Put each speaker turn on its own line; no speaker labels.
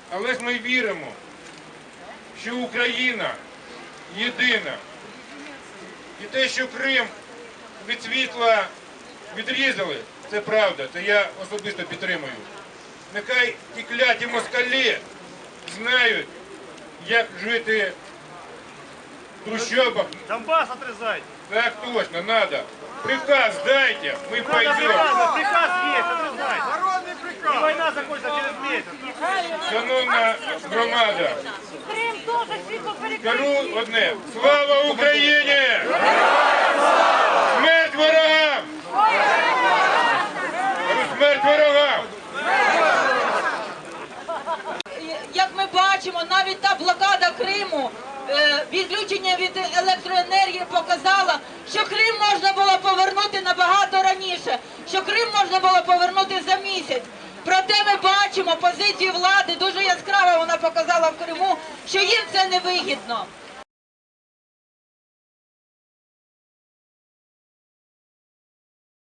Але ж ми віримо, що Україна єдина. І те, що Крим від світла відрізали, це правда, це я особисто підтримую. Нехай ті кляті москалі знають, як жити в трущобах.
Донбасс отрезать.
Так точно, надо. Приказ дайте, мы пойдем.
Приказ есть, отрезать. Народный приказ. И война закончится через месяц.
Шановна громада,
Крим теж світло
кажу одне. Слава Україні! Смерть ворогам! Кажу, смерть ворогам!
Як ми бачимо, навіть та блокада Криму, відключення від електроенергії показала, що Крим можна було повернути набагато раніше, що Крим можна було повернути за місяць. Проте ми бачимо позицію влади, дуже яскраво вона показала в Криму, що їм це не вигідно.